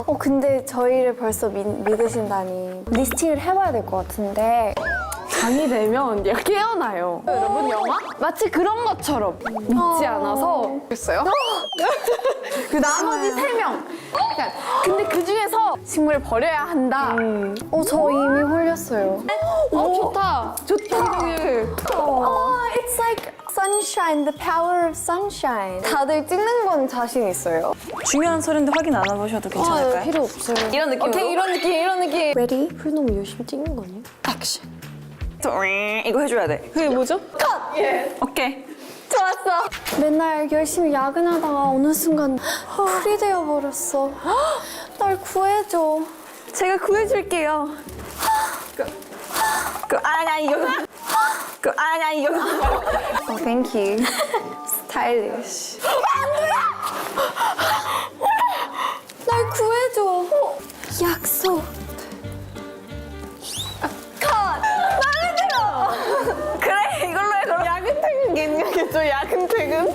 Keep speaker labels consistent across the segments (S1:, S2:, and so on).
S1: 근데 저희를 벌써 믿으신다니 리스팅을 해봐야 될 것 같은데 잠이 되면 얘가 깨어나요. 여러분 영화? 마치 그런 것처럼 믿지 않아서 됐어요? 그 나머지 3명 근데 그 중에서 식물을 버려야 한다. 저 이미 홀렸어요. 좋다. It's like sunshine, the power of sunshine. 다들 찍는 건 자신 있어요?
S2: 중요한 서류인데 확인 안 해보셔도 괜찮을까요?
S1: 필요 없어요.
S2: 이런 느낌으로?
S1: 오케이, 이런 느낌.
S3: Ready? 풀 너무 열심히 찍는 거 아니야?
S2: 액션. 이거 해줘야 돼.
S3: 그게 뭐죠?
S2: 오케이.
S1: 좋았어. 맨날 열심히 야근하다가 어느 순간 풀이 되어버렸어. 날 구해줘.
S2: 제가 구해줄게요. 이거.
S1: Thank you. Stylish. 날 구해줘. 약속.
S2: 그래, 이걸로 해, 그럼.
S1: 야근 퇴근겠죠? 야근 퇴근?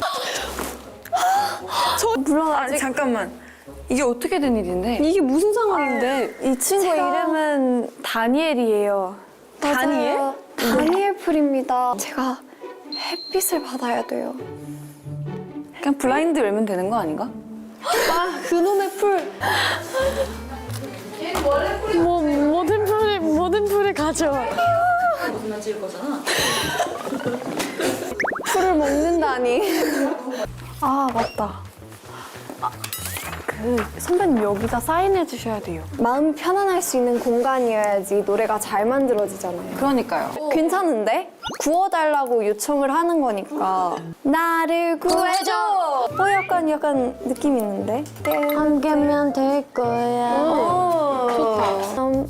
S2: 물론 아직 잠깐만. 이게 어떻게 된 일인데?
S3: 이게 무슨 상황인데?
S1: 이 친구 이름은 다니엘이에요.
S2: 다니엘?
S1: 맞아요. 다니엘 풀입니다. 제가 햇빛을 받아야 돼요.
S2: 그냥 블라인드 열면 되는 거 아닌가?
S3: 그놈의 풀. 모든 풀을 가져와.
S1: 풀을 먹는다니. 맞다. 선배님 여기다 사인해 주셔야 돼요. 마음 편안할 수 있는 공간이어야지 노래가 잘 만들어지잖아요.
S2: 그러니까요.
S1: 괜찮은데? 구워달라고 요청을 하는 거니까 나를 구해줘! 약간 느낌 있는데?
S3: 한 개면 될 거야.
S1: 좋다. 너무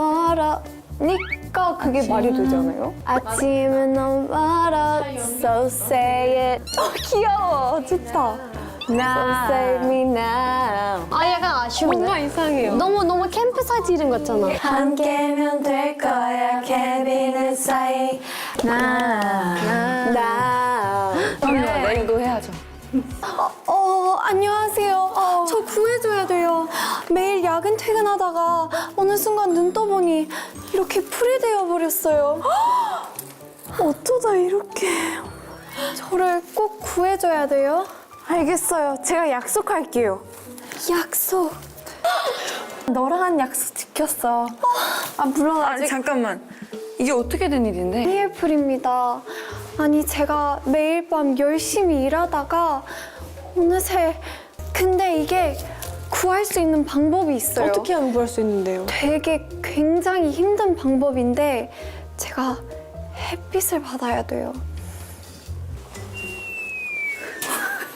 S1: 멀어니까 그게 말이 되잖아요? 아침은 너무 멀어 So say it 귀여워 좋다 So save me now
S3: 약간 아쉬운데? 뭔가 이상해요. 너무 캠프 사이트 이름 같잖아.
S1: 함께면 될 거야 케빈의 사이 나
S2: 그럼요, 내일도 해야죠.
S1: 안녕하세요. 저 구해줘야 돼요. 매일 야근 퇴근하다가 어느 순간 눈 떠보니 이렇게 풀이 되어버렸어요. 어쩌다 이렇게. 저를 꼭 구해줘야 돼요. 알겠어요. 제가 약속할게요. 약속. 너랑 한 약속 지켰어. 물론
S2: 아니, 잠깐만. 이게 어떻게 된 일인데?
S1: 다니엘풀입니다. 아니 제가 매일 밤 열심히 일하다가 어느새 근데 이게 구할 수 있는 방법이 있어요.
S3: 어떻게 하면 구할 수 있는데요?
S1: 되게 굉장히 힘든 방법인데 제가 햇빛을 받아야 돼요.